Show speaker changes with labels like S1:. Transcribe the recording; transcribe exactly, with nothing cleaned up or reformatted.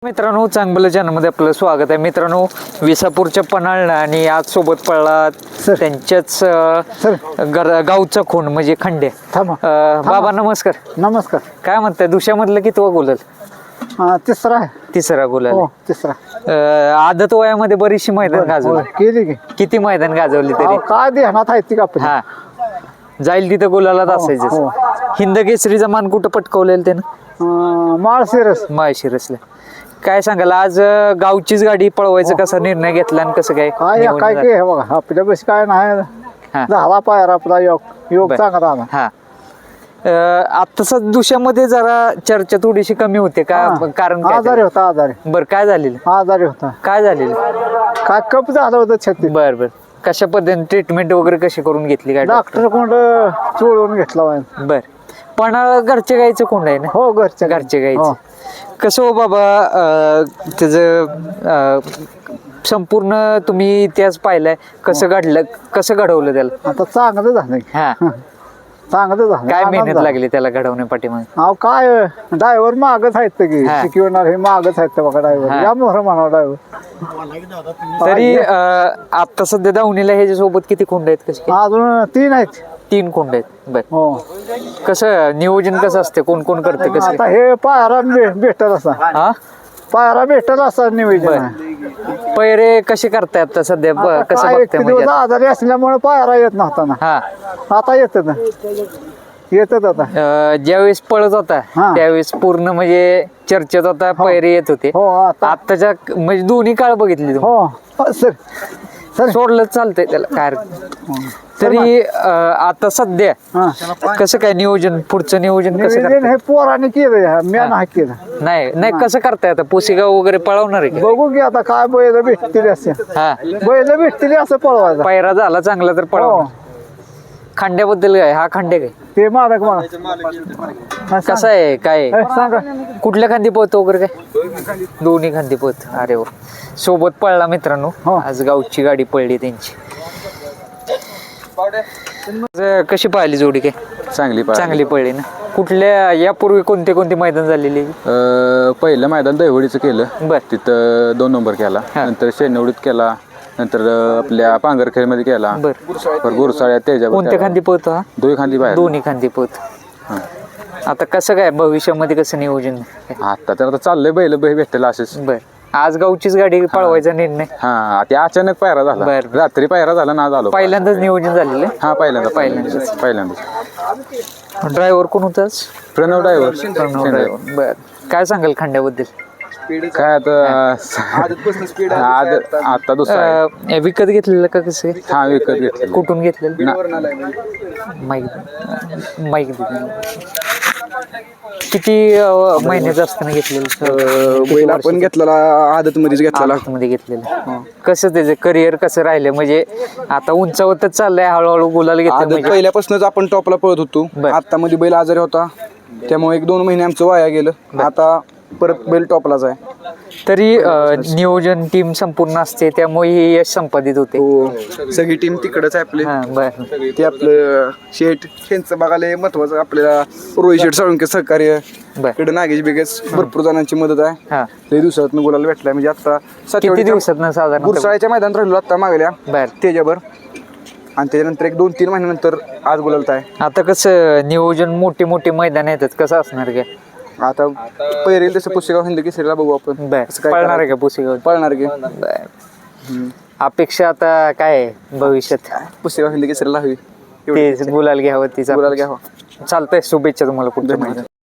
S1: मित्रांनो, चांगलं चॅनलमध्ये आपलं स्वागत आहे. मित्रांनो, विसापूरच्या पन्हाळला आणि आज सोबत पळला त्यांच्याच अं, गर- गावचा खून म्हणजे खंडे.
S2: थांबा.
S1: अं, बाबा नमस्कार.
S2: नमस्कार.
S1: काय म्हणताय, दुसऱ्यामधलं कितवा गुलाल?
S2: हा, तिसरा आहे.
S1: तिसरा गुलाल.
S2: हो, तिसरा.
S1: अं, आदत वयामध्ये बरीचशी मैदान गाजवली.
S2: केली की
S1: किती मैदान गाजवली तरी?
S2: अहो, काय ध्यानात आहे ती का आपली?
S1: हा, जाईल तिथं गुलालात
S2: हो,
S1: असायचं.
S2: हो.
S1: हिंद केसरीचा मान कुठं पटकवलेलं त्यानं?
S2: अं, माळशिरस.
S1: माळशिरसला. काय सांगाल, आज अं, गावचीच गाडी पळवायचा कसा निर्णय घेतला आणि कसं काय
S2: काय
S1: नियोजन
S2: काय
S1: झालं?
S2: की हे बघा, आपल्या बस काय नाही.
S1: हा.
S2: झाला पायर आपला योग योग
S1: बर.
S2: चांगला आला.
S1: हा आता दुसऱ्यामध्ये जरा चर्चा थोडीशी कमी होते का?
S2: हा.
S1: कारण काय
S2: आजारी होता आजारी
S1: बर काय झालेलं?
S2: आजारी होता.
S1: काय झालेलं?
S2: काय कप झालं होतं छत्ती.
S1: बर बर कशा पद्धतीने ट्रीटमेंट वगैरे कशी करून घेतली काय?
S2: डॉक्टर कोंड चोळून घेतला वाय.
S1: बर पण घरचे गायचं कोंड आहे ना?
S2: हो, घरच्या
S1: घरचे
S2: हो.
S1: गायचं कसं हो बाबा, त्याच संपूर्ण तुम्ही इतिहास पाहिलाय, कसं घडलं, कसं घडवलं त्याला?
S2: आता चांगलं झालं की.
S1: हा
S2: चांगलं झालं.
S1: काय
S2: आनंद
S1: मेहनत
S2: झाला.
S1: लागली त्याला घडवण्या पाठीमागे?
S2: अहो, काय ड्रायव्हर मागच आहेत की
S1: हा.
S2: शिकवणार हे मागच आहेत बघा
S1: हा.
S2: ड्रायव्हर. या मोहर म्हणा ड्रायव्हर.
S1: तरी आता सध्या दावणीला ह्याच्यासोबत किती खोंड आहेत? कसे काय?
S2: अजून तीन आहेत.
S1: तीन खोंड आहेत. बर
S2: हो.
S1: कसं नियोजन कसं असते, कोण कोण करते कसं
S2: आता हे पायरा भे- भेटल असा
S1: हा
S2: पायरा भेटल असा नियोजन
S1: बर
S2: आहे.
S1: पैरे कसे करताय आता सध्या? ब-
S2: आता
S1: कसं
S2: काय एक
S1: बघताय
S2: दिवस
S1: म्हणजे?
S2: आजारी असल्यामुळे पायरा येत नव्हता ना.
S1: हा
S2: आता येतात ना, येतात आता.
S1: अं, ज्यावेळेस पळत होता
S2: हा.
S1: त्यावेळेस पूर्ण म्हणजे चर्चेत होता, पैरे येत होते.
S2: हो आता
S1: आताच्या म्हणजे दोन्ही काळ बघितली तुम्ही?
S2: हो सर सर
S1: सोडलं चालतंय त्याला काय हरकत. तरी अं, आता सध्या
S2: हा.
S1: कसं काय नियोजन, पुढचं नियोजन कसं
S2: नियोजन
S1: करताय?
S2: हे पोराने केलं, मी नाही केलं.
S1: नाही नाही कसं करताय आता? पुसेगाव वगैरे पळवणार आहे का?
S2: बघू की आता काय बैल भेटतील असे
S1: हा
S2: बैल भेटतील असं पळवायचं.
S1: पायरा झाला चांगला तर
S2: हो,
S1: पळव. खांड्याबद्दल काय? हा खांडे काय
S2: ते मालक मला
S1: कसा आहे काय आहे?
S2: सांगा.
S1: कुठल्या खांदी पोहत वगैरे काय? दोन्ही खांदी पोहत. अरे वा, सोबत पळला मित्रांनो.
S2: हो.
S1: आज गावची गाडी पळली त्यांची. आज कशी पाहिली जोडी? काय
S3: चांगली पाहिली.
S1: चांगली पळली ना? कुठल्या यापूर्वी कोणते कोणते मैदान झालेली?
S3: अं, पहिलं मैदान दहिवडीचं केलं,
S1: बर
S3: तिथं दोन नंबर केला.
S1: हा.
S3: नंतर शेनवडीत केला, नंतर अं, आपल्या पांगरखेडमध्ये केला.
S1: बर
S3: पर गुरसाळ्या त्याच्यावर
S1: कोणत्या खांदी पोहतो हा?
S3: दोन्ही खांदी बाहेर.
S1: दोन्ही खांदी पोहत.
S3: हा.
S1: आता कसं काय भविष्यामध्ये कसं नियोजन?
S3: आता तर आता चाललंय बैल बैल भेटलेला असेच.
S1: बर आज गावचीच गाडी पळवायचा निर्णय
S3: हा, ते अचानक पायरा झाला.
S1: बर.
S3: रात्री पायरा झाला ना, आज आलो.
S1: पहिल्यांदाच नियोजन झालेलं?
S3: हा, पहिल्यांदा
S1: पहिल्यांदाच.
S3: पहिल्यांदाच
S1: ड्रायव्हर कोण होताच?
S3: प्रणव ड्रायव्हर.
S1: प्रणव ड्रायव्हर. बर काय सांगाल खांड्याबद्दल?
S3: काय आता आज आता दुसरा आहे.
S1: अं, विकत घेतलेलं का कसं आहे?
S3: हा, विकत घेतलेला.
S1: कुठून घेतलेलं?
S3: ना-
S1: माईक माईक किती अं, महिन्याचं असताना घेतलेलं?
S4: बैल आपण घेतलेला आदत मध्येच घेतलेला.
S1: मध्ये घेतलेलं. कसं त्याचं करिअर कसं राहिलं? म्हणजे आता उंचावतच चाललंय हळूहळू, गुलाल घेतलं
S4: आदत
S1: म्हणजे.
S4: पहिल्यापासूनच आपण टॉपला पळत होतो.
S1: बर.
S4: आता मध्ये बैल आजारी होता, त्यामुळे एक दोन महिने आमचं वाया गेलं. आता परत बैल टॉपलाच आहे.
S1: तरी अं, नियोजन टीम संपूर्ण असते, त्यामुळे हे यश संपादित होते.
S4: हो, सगळी टीम तिकडच आहे आपली.
S1: हा बर
S4: ते आपलं शेठ यांचं बघायला महत्वाचं आपल्याला. रोहित शेठ साळुंके सहकार्य,
S1: बर
S4: इकडे नागेश बिगेश, भरपूर जणांची मदत आहे.
S1: हा
S4: लई दिवसात गुलाल भेटलाय. म्हणजे आता
S1: किती दिवसात ना साधारण?
S4: गुरसाळ्याच्या मैदानात राहिलो आता मागल्या
S1: बर
S4: त्याच्यावर, आणि त्याच्यानंतर एक दोन तीन महिन्यानंतर आज गुलालत आहे.
S1: आता कसं नियोजन, मोठे मोठे मैदान येतात, कसं असणार काय?
S4: आता पहिरेल तसं पुस्तकाव हिंद केसरीला बघू आपण.
S1: बर
S4: कसं काय
S1: पळणार आहे का पुसेगाव?
S4: पळणार की
S1: बर अपेक्षा आता काय आहे भविष्यात?
S4: पुस्तकाव हिंद केसरीला हवी.
S1: ते गुलाल घ्यावं तिचा
S4: गुलाल घ्यावा.
S1: चालतंय. शुभेच्छा तुम्हाला पुढच्या महिन्यात.